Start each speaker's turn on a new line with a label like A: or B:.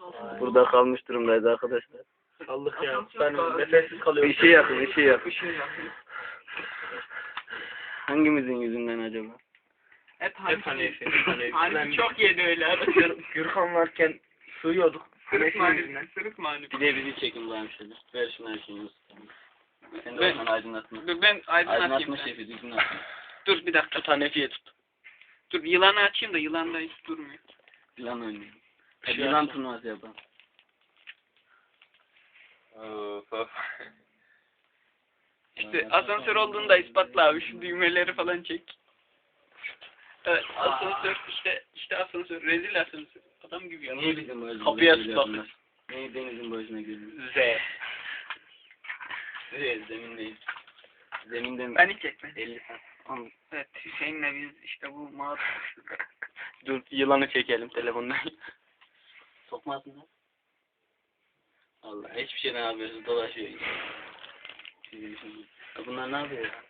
A: Burada kalmış durumdayız arkadaşlar.
B: Sallık ya. Ben nefessiz kalıyorum.
A: İşi yakın, işi yakın.
B: Işığı yakın.
A: Hangimizin yüzünden acaba?
C: Hep
B: Hep
C: Hanifi.
B: Hanefi.
C: Hanifi çok yedi öyle adam.
B: Gürkan varken sığıyorduk.
C: Sırık
B: Hanefi
C: Hanifi. Sırık Hanifi.
A: Bir de bizi çekin bana şöyle. Ver şunu her şeyini. Sen de
C: Ben-
A: oradan aydınlatma.
C: Dur ben aydınlatayım.
A: Aydınlatma
C: sen.
A: şefi düzgün atma.
C: Dur bir dakika.
B: Tut Hanefi'ye tut.
C: Dur yılanı açayım da yılan da hiç durmuyor.
A: Yılan oynayalım.
B: Bir şey
A: Yılan
B: yapma.
A: turnuvası yapalım.
C: İşte asansör olduğunu da ispatla abi. Şu düğmeleri falan çek. Evet asansör işte asansör. Rezil asansör. Adam gibi ya.
A: Niye bizim başımıza
B: Kapıya
A: geliyor
B: stop.
A: bunlar? Niye denizin başına geliyor?
B: Z.
A: Evet, zemin değil. Zeminde mi?
C: Beni çekme.
A: 50 saat. Tamam.
C: Evet Hüseyin'le biz işte bu mağdur.
A: Dur yılanı çekelim telefondan. Sokmasın lan. Allah hiçbir şeyden habersiz dolaşıyor. Bunlar ne yapıyor?